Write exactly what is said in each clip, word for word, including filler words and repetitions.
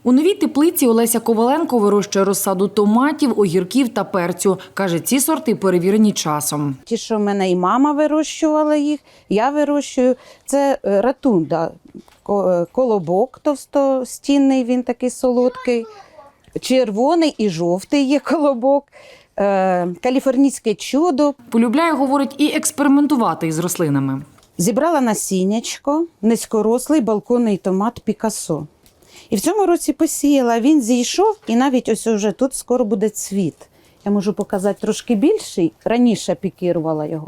У новій теплиці Олеся Коваленко вирощує розсаду томатів, огірків та перцю. Каже, ці сорти перевірені часом. Ті, що в мене і мама вирощувала їх, я вирощую. Це ратунда, колобок товстостінний, він такий солодкий, червоний і жовтий є колобок, каліфорнійське чудо. Полюбляє, говорить, і експериментувати із рослинами. Зібрала насіннячко, низькорослий балконний томат Пікасо. І в цьому році посіяла, він зійшов, і навіть ось уже тут скоро буде цвіт. Я можу показати трошки більший, раніше пікірувала його.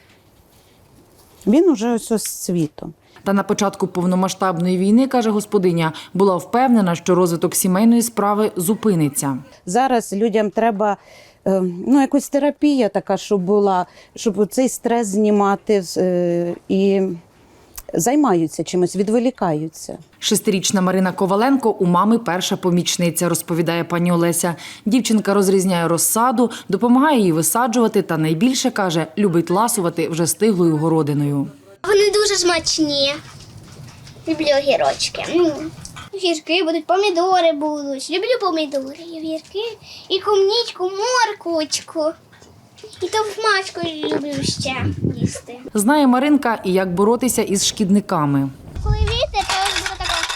Він уже ось ось з цвітом. Та на початку повномасштабної війни, каже господиня, була впевнена, що розвиток сімейної справи зупиниться. Зараз людям треба ну, якась терапія така, щоб була, щоб цей стрес знімати і займаються чимось, відволікаються. Шестирічна Марина Коваленко у мами перша помічниця, розповідає пані Олеся. Дівчинка розрізняє розсаду, допомагає їй висаджувати та найбільше, каже, любить ласувати вже стиглою городиною. Вони дуже смачні. Люблю огірочки. Огірки будуть, помідори будуть. Люблю помідори, огірки, і комнічку, морквочку. І товмачку люблю ще їсти. Знає Маринка і як боротися із шкідниками. Коли вітер, то ось буде таке.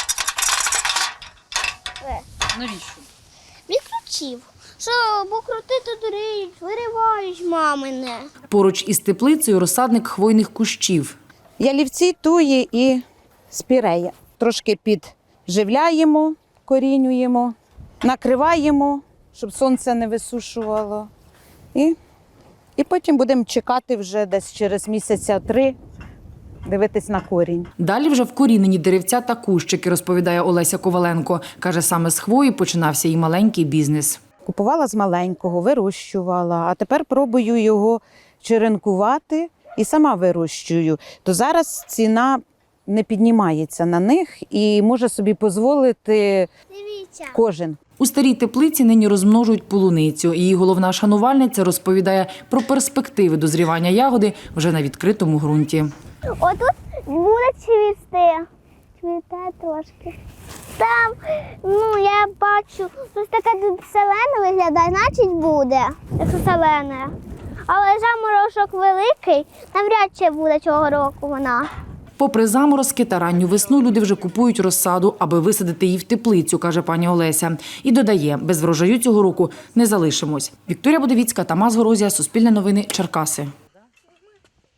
Навіщо? Відключив. Що, бо крути то дурить, виривають мамине. Поруч із теплицею розсадник хвойних кущів. Ялівці, туї і спірея. Трошки підживляємо, корінюємо, накриваємо, щоб сонце не висушувало. І, і потім будемо чекати вже десь через місяця три, дивитись на корінь. Далі вже вкорінені деревця та кущики, розповідає Олеся Коваленко. Каже, саме з хвої починався і маленький бізнес. Купувала з маленького, вирощувала, а тепер пробую його черенкувати і сама вирощую. То зараз ціна не піднімається на них і може собі дозволити кожен. У старій теплиці нині розмножують полуницю. Її головна шанувальниця розповідає про перспективи дозрівання ягоди вже на відкритому ґрунті. Отут буде цвісти. Цвіте трошки. Там, ну, я бачу, тут таке зелене виглядає, значить буде, якщо зелене. Але заморозок великий, навряд чи буде цього року вона. Попри заморозки та ранню весну, люди вже купують розсаду, аби висадити її в теплицю, каже пані Олеся. І додає, без врожаю цього року не залишимось. Вікторія Будовіцька, Тамас Горозія, Суспільне новини, Черкаси.